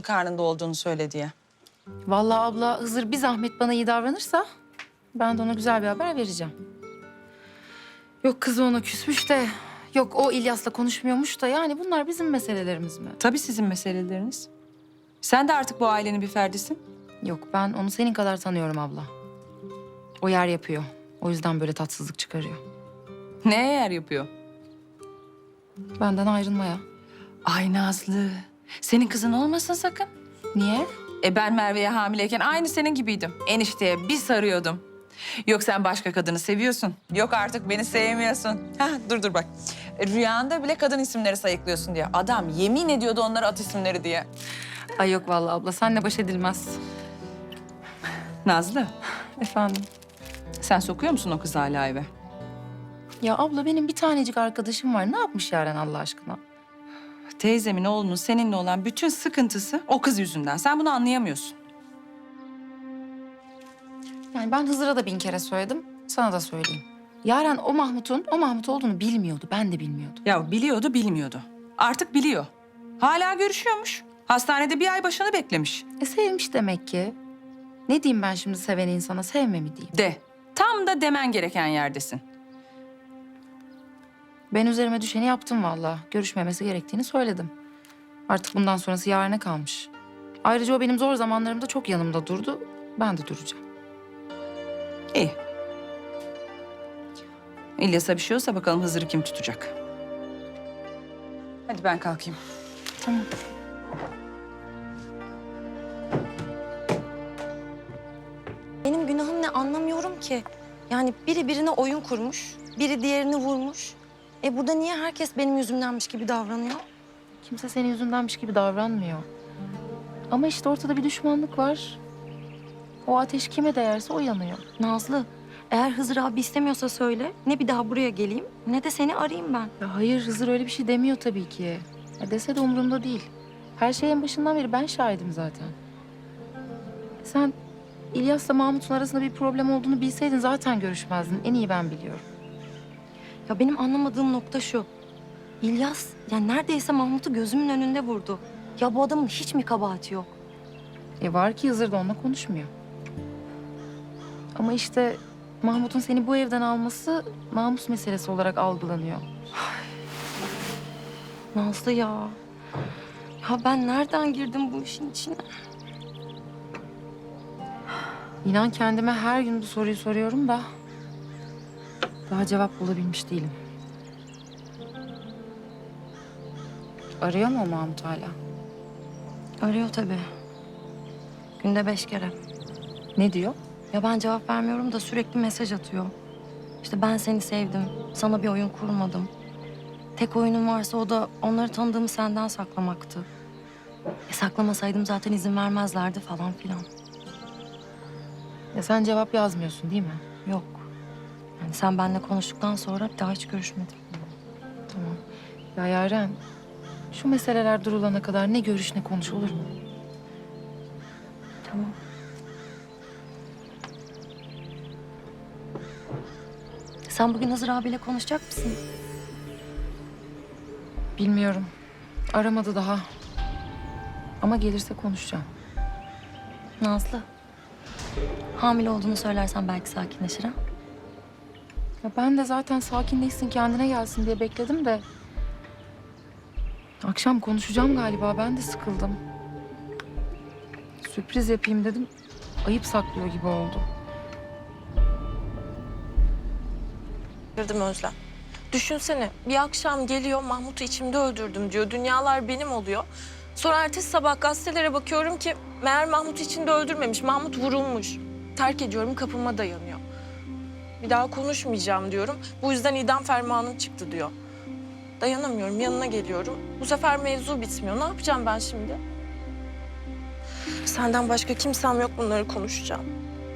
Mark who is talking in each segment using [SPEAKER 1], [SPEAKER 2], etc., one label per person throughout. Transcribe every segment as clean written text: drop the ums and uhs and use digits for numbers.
[SPEAKER 1] karnında olduğunu söyle diye.
[SPEAKER 2] Vallahi abla Hızır bir zahmet bana iyi davranırsa ben de ona güzel bir haber vereceğim. Yok kızı ona küsmüş de, yok o İlyas'la konuşmuyormuş da yani bunlar bizim meselelerimiz mi?
[SPEAKER 1] Tabii sizin meseleleriniz. Sen de artık bu ailenin bir ferdisin.
[SPEAKER 2] Yok ben onu senin kadar tanıyorum abla. O yer yapıyor. O yüzden böyle tatsızlık çıkarıyor.
[SPEAKER 1] Neye yer yapıyor?
[SPEAKER 2] Benden ayrılmaya.
[SPEAKER 1] Ay Nazlı, senin kızın olmasın sakın.
[SPEAKER 2] Niye?
[SPEAKER 1] Ben Merve'ye hamileyken aynı senin gibiydim. Enişteye bir sarıyordum. Yok sen başka kadını seviyorsun. Yok artık beni sevmiyorsun. Hah, dur bak. Rüyanda bile kadın isimleri sayıklıyorsun diye. Adam yemin ediyordu onlara at isimleri diye.
[SPEAKER 2] Ay yok vallahi abla senle baş edilmez.
[SPEAKER 1] Nazlı,
[SPEAKER 2] Efendim?
[SPEAKER 1] sen sokuyor musun o kızı hala eve?
[SPEAKER 2] Ya abla benim bir tanecik arkadaşım var. Ne yapmış Yaren Allah aşkına?
[SPEAKER 1] Teyzemin oğlunun seninle olan bütün sıkıntısı o kız yüzünden. Sen bunu anlayamıyorsun.
[SPEAKER 2] Yani ben Hızır'a da bin kere söyledim. Sana da söyleyeyim. Yaren o Mahmut olduğunu bilmiyordu. Ben de bilmiyordum.
[SPEAKER 1] Ya biliyordu, bilmiyordu. Artık biliyor. Hala görüşüyormuş. Hastanede bir ay başını beklemiş.
[SPEAKER 2] Sevmiş demek ki. Ne diyeyim ben şimdi seven insana sevme mi diyeyim?
[SPEAKER 1] De. Tam da demen gereken yerdesin.
[SPEAKER 2] Ben üzerime düşeni yaptım vallahi. Görüşmemesi gerektiğini söyledim. Artık bundan sonrası Yaren'e kalmış. Ayrıca o benim zor zamanlarımda çok yanımda durdu. Ben de duracağım.
[SPEAKER 1] İyi. İlyas'a bir şey olsa bakalım Hızır'ı kim tutacak? Hadi ben kalkayım.
[SPEAKER 2] Tamam.
[SPEAKER 3] Benim günahım ne anlamıyorum ki. Yani biri birine oyun kurmuş, biri diğerini vurmuş. Burada niye herkes benim yüzümdenmiş gibi davranıyor?
[SPEAKER 2] Kimse senin yüzündenmiş gibi davranmıyor. Ama işte ortada bir düşmanlık var. O ateş kime değerse o yanıyor.
[SPEAKER 3] Nazlı, eğer Hızır abi istemiyorsa söyle. Ne bir daha buraya geleyim, ne de seni arayayım ben.
[SPEAKER 2] Ya hayır Hızır öyle bir şey demiyor tabii ki. Ya dese de umurumda değil. Her şeyin başından beri ben şahidim zaten. Sen İlyas'la Mahmut'un arasında bir problem olduğunu bilseydin zaten görüşmezdin. En iyi ben biliyorum.
[SPEAKER 3] Ya benim anlamadığım nokta şu. İlyas, yani neredeyse Mahmut'u gözümün önünde vurdu. Ya bu adamın hiç mi kabahati yok?
[SPEAKER 2] Var ki Hızır da onunla konuşmuyor. Ama işte Mahmut'un seni bu evden alması namus meselesi olarak algılanıyor.
[SPEAKER 3] Nazlı ya. Ya ben nereden girdim bu işin içine?
[SPEAKER 2] İnan kendime her gün bu soruyu soruyorum da daha cevap bulabilmiş değilim. Arıyor mu o Mahmut hala?
[SPEAKER 3] Arıyor tabii. Günde 5 kere.
[SPEAKER 2] Ne diyor?
[SPEAKER 3] Ya ben cevap vermiyorum da sürekli mesaj atıyor. İşte ben seni sevdim, sana bir oyun kurmadım. Tek oyunum varsa o da onları tanıdığımı senden saklamaktı. Saklamasaydım zaten izin vermezlerdi falan filan.
[SPEAKER 2] Ya sen cevap yazmıyorsun değil mi?
[SPEAKER 3] Yok. Yani sen benimle konuştuktan sonra bir daha hiç görüşmedim.
[SPEAKER 2] Tamam. Ya Yaren, şu meseleler durulana kadar ne görüş ne konuş olur mu?
[SPEAKER 3] Tamam. Sen bugün Hızır abiyle konuşacak mısın?
[SPEAKER 2] Bilmiyorum. Aramadı daha. Ama gelirse konuşacağım.
[SPEAKER 3] Nazlı. Hamile olduğunu söylersen belki sakinleşir ha?
[SPEAKER 2] Ya ben de zaten sakinleşsin, kendine gelsin diye bekledim de... Akşam konuşacağım galiba, ben de sıkıldım. Sürpriz yapayım dedim, ayıp saklıyor gibi oldu.
[SPEAKER 4] Girdim Özlem. Düşünsene bir akşam geliyor Mahmut'u içimde öldürdüm diyor. Dünyalar benim oluyor. Sonra ertesi sabah gazetelere bakıyorum ki meğer Mahmut'u içinde öldürmemiş. Mahmut vurulmuş. Terk ediyorum kapıma dayanıyor. Bir daha konuşmayacağım diyorum. Bu yüzden idam fermanım çıktı diyor. Dayanamıyorum yanına geliyorum. Bu sefer mevzu bitmiyor. Ne yapacağım ben şimdi? Senden başka kimsem yok bunları konuşacağım.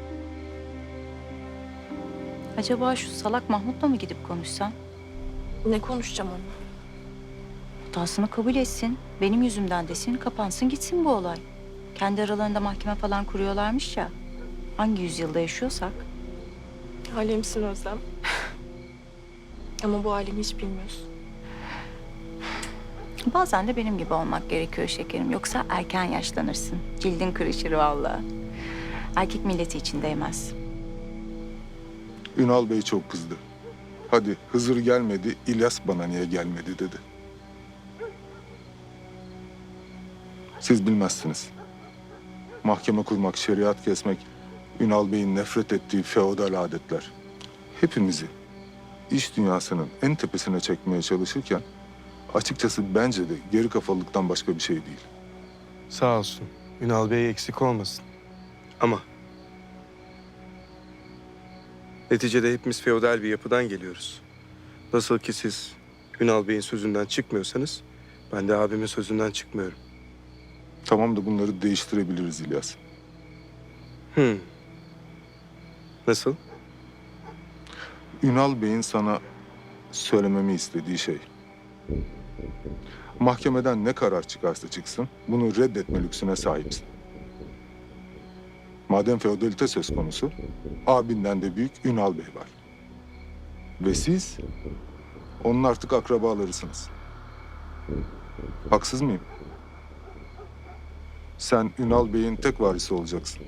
[SPEAKER 5] Acaba şu salak Mahmut'la mı gidip konuşsan?
[SPEAKER 4] Ne konuşacağım onunla?
[SPEAKER 5] Hatasını kabul etsin, benim yüzümden desin, kapansın gitsin bu olay. Kendi aralarında mahkeme falan kuruyorlarmış ya. Hangi yüzyılda yaşıyorsak.
[SPEAKER 4] Alemsin Özlem. Ama bu alemi hiç bilmiyorsun.
[SPEAKER 5] Bazen de benim gibi olmak gerekiyor şekerim. Yoksa erken yaşlanırsın. Cildin kırışır vallahi. Erkek milleti için değmez.
[SPEAKER 6] Ünal Bey çok kızdı. Hadi Hızır gelmedi, İlyas bana niye gelmedi dedi. Siz bilmezsiniz. Mahkeme kurmak, şeriat kesmek, Ünal Bey'in nefret ettiği feodal adetler. Hepimizi iş dünyasının en tepesine çekmeye çalışırken açıkçası bence de geri kafalılıktan başka bir şey değil.
[SPEAKER 7] Sağ olsun. Ünal Bey eksik olmasın. Ama neticede hepimiz feodal bir yapıdan geliyoruz. Nasıl ki siz Ünal Bey'in sözünden çıkmıyorsanız ben de abimin sözünden çıkmıyorum.
[SPEAKER 6] Tamam da bunları değiştirebiliriz İlyas.
[SPEAKER 7] Nasıl?
[SPEAKER 6] Ünal Bey'in sana söylememi istediği şey. Mahkemeden ne karar çıkarsa çıksın, bunu reddetme lüksüne sahipsin. Madem feodalite söz konusu, abinden de büyük Ünal Bey var. Ve siz, onun artık akrabalarısınız. Haksız mıyım? Sen Ünal Bey'in tek varisi olacaksın.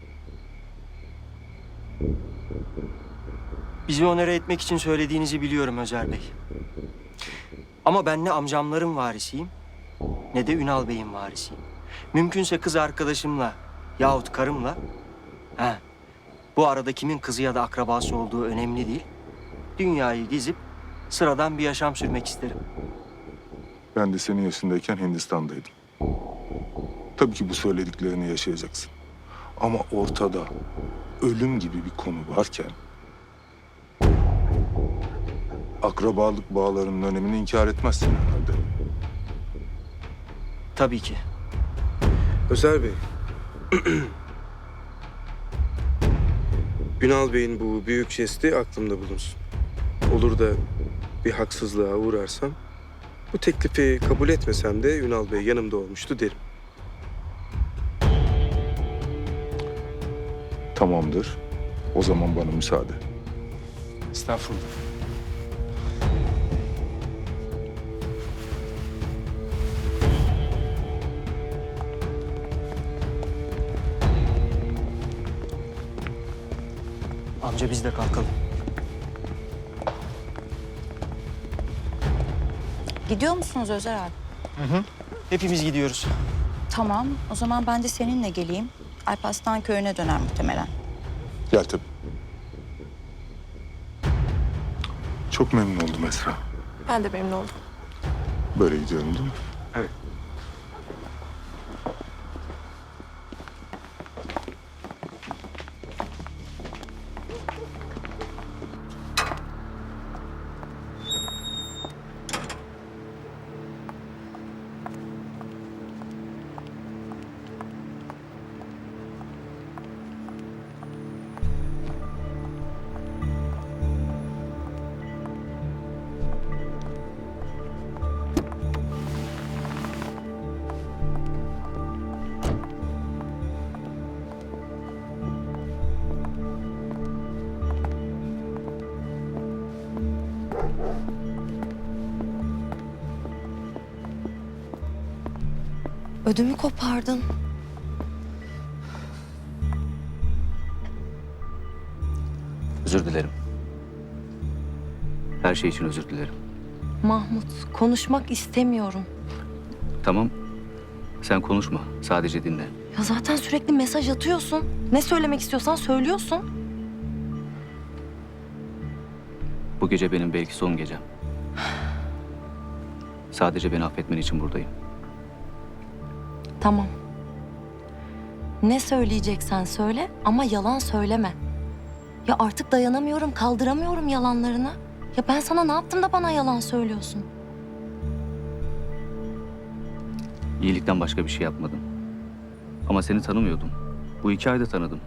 [SPEAKER 8] Bizi onore etmek için söylediğinizi biliyorum Özer Bey. Ama ben ne amcamların varisiyim ne de Ünal Bey'in varisiyim. Mümkünse kız arkadaşımla yahut karımla... Bu arada kimin kızı ya da akrabası olduğu önemli değil. Dünyayı gezip sıradan bir yaşam sürmek isterim.
[SPEAKER 6] Ben de senin yaşındayken Hindistan'daydım. Tabii ki bu söylediklerini yaşayacaksın. Ama ortada ölüm gibi bir konu varken... akrabalık bağlarının önemini inkar etmezsin herhalde.
[SPEAKER 8] Tabii ki.
[SPEAKER 7] Özer Bey. Ünal Bey'in bu büyük jesti aklımda bulunsun. Olur da bir haksızlığa uğrarsam bu teklifi kabul etmesem de Ünal Bey yanımda olmuştu derim.
[SPEAKER 6] Tamamdır. O zaman bana müsaade.
[SPEAKER 7] Estağfurullah.
[SPEAKER 8] Amca biz de kalkalım.
[SPEAKER 5] Gidiyor musunuz Özer abi?
[SPEAKER 8] Hepimiz gidiyoruz.
[SPEAKER 5] Tamam. O zaman ben de seninle geleyim. Alparslan köyüne döner muhtemelen.
[SPEAKER 6] Gel tabii. Çok memnun oldum Esra.
[SPEAKER 4] Ben de memnun oldum.
[SPEAKER 6] Böyle gidiyorum değil mi?
[SPEAKER 7] Evet.
[SPEAKER 3] Ödümü kopardın.
[SPEAKER 9] Özür dilerim. Her şey için özür dilerim.
[SPEAKER 3] Mahmut, konuşmak istemiyorum.
[SPEAKER 9] Tamam. Sen konuşma. Sadece dinle.
[SPEAKER 3] Ya zaten sürekli mesaj atıyorsun. Ne söylemek istiyorsan söylüyorsun.
[SPEAKER 9] Bu gece benim belki son gecem. Sadece beni affetmen için buradayım.
[SPEAKER 3] Tamam. Ne söyleyeceksen söyle ama yalan söyleme. Ya artık dayanamıyorum, kaldıramıyorum yalanlarını. Ya ben sana ne yaptım da bana yalan söylüyorsun?
[SPEAKER 9] İyilikten başka bir şey yapmadım. Ama seni tanımıyordum. Bu 2 ayda tanıdım.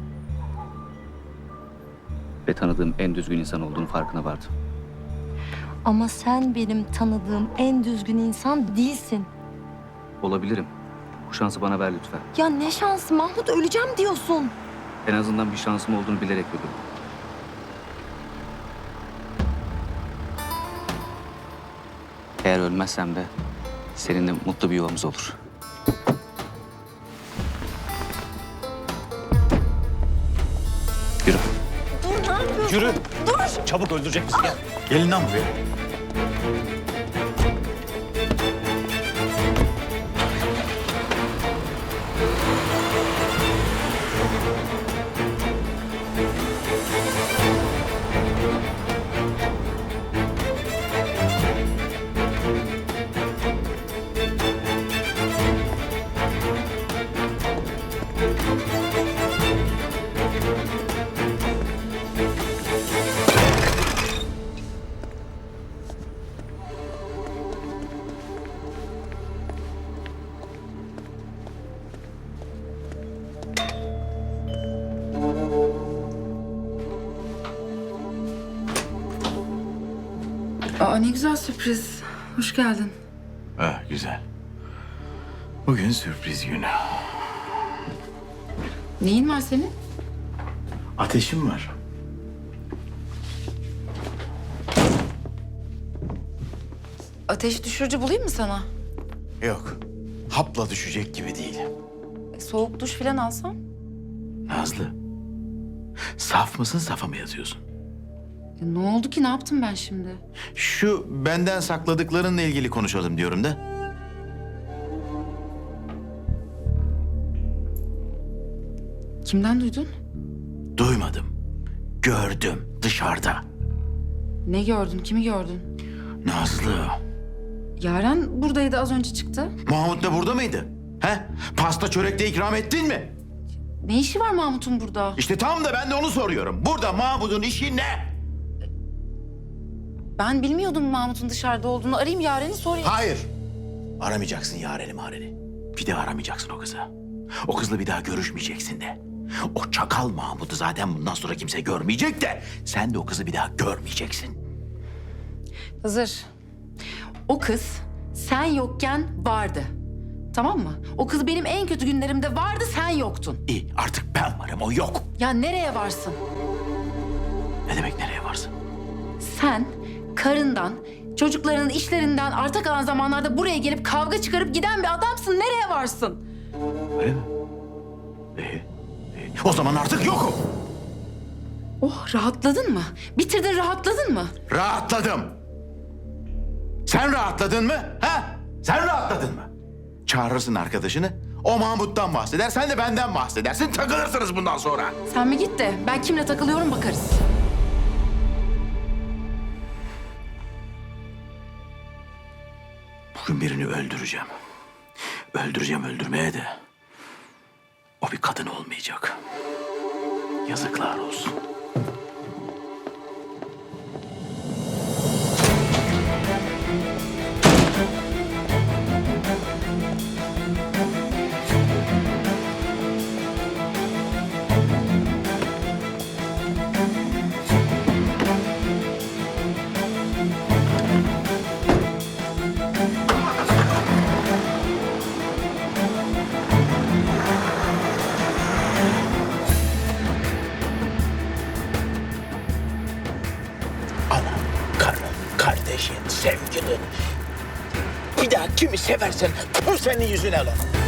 [SPEAKER 9] Ve tanıdığım en düzgün insan olduğunu farkına vardım.
[SPEAKER 3] Ama sen benim tanıdığım en düzgün insan değilsin.
[SPEAKER 9] Olabilirim. Bu şansı bana ver lütfen.
[SPEAKER 3] Ya ne şansı Mahmut, öleceğim diyorsun.
[SPEAKER 9] En azından bir şansım olduğunu bilerek ödüm. Eğer ölmezsem de Seninle mutlu bir yuvamız olur. Yürü.
[SPEAKER 10] Yürü. Dur. Çabuk öldürecek bizi gel. Gelin lan buraya.
[SPEAKER 2] Aa, ne güzel sürpriz. Hoş geldin.
[SPEAKER 10] Ha, güzel. Bugün sürpriz günü.
[SPEAKER 2] Neyin var senin?
[SPEAKER 10] Ateşim var.
[SPEAKER 2] Ateş düşürücü bulayım mı sana?
[SPEAKER 10] Yok. Hapla düşecek gibi değil.
[SPEAKER 2] Soğuk duş falan alsam?
[SPEAKER 10] Nazlı. Saf mısın, safa mı yazıyorsun?
[SPEAKER 2] Ya ne oldu ki? Ne yaptım ben şimdi?
[SPEAKER 10] Şu benden sakladıklarınla ilgili konuşalım diyorum da.
[SPEAKER 2] Kimden duydun?
[SPEAKER 10] Duymadım. Gördüm dışarıda.
[SPEAKER 2] Ne gördün? Kimi gördün?
[SPEAKER 10] Nazlı.
[SPEAKER 2] Yaren buradaydı, az önce çıktı.
[SPEAKER 10] Mahmut da burada mıydı? He? Pasta çörekte ikram ettin mi?
[SPEAKER 2] Ne işi var Mahmut'un burada?
[SPEAKER 10] İşte tam da ben de onu soruyorum. Burada Mahmut'un işi ne?
[SPEAKER 2] Ben bilmiyordum Mahmut'un dışarıda olduğunu. Arayayım Yaren'i sorayım.
[SPEAKER 10] Hayır. Aramayacaksın Yaren'i Maren'i. Bir daha aramayacaksın o kızı. O kızla bir daha görüşmeyeceksin de. O çakal Mahmut'u zaten bundan sonra kimse görmeyecek de... ...sen de o kızı bir daha görmeyeceksin.
[SPEAKER 2] Hızır. O kız sen yokken vardı. Tamam mı? O kız benim en kötü günlerimde vardı, sen yoktun.
[SPEAKER 10] İyi artık ben varım, o yok.
[SPEAKER 2] Ya nereye varsın?
[SPEAKER 10] Ne demek nereye varsın?
[SPEAKER 2] Sen karından, çocuklarının işlerinden arta kalan zamanlarda buraya gelip kavga çıkarıp giden bir adamsın. Nereye varsın?
[SPEAKER 10] Öyle mi? İyi. O zaman artık yokum.
[SPEAKER 2] Oh, rahatladın mı? Bitirdin, rahatladın mı?
[SPEAKER 10] Rahatladım. Sen rahatladın mı? Ha? Sen rahatladın mı? Çağırırsın arkadaşını. O Mahmut'tan bahseder, sen de benden bahsedersin. Takılırsınız bundan sonra.
[SPEAKER 2] Sen mi git de ben kimle takılıyorum bakarız.
[SPEAKER 10] Bugün birini öldüreceğim. Öldüreceğim öldürmeye de. O bir kadın olmayacak. Yazıklar olsun. Ana, karın, kardeşin, sevgilin. Bir daha kimi seversen bu senin yüzüne lan.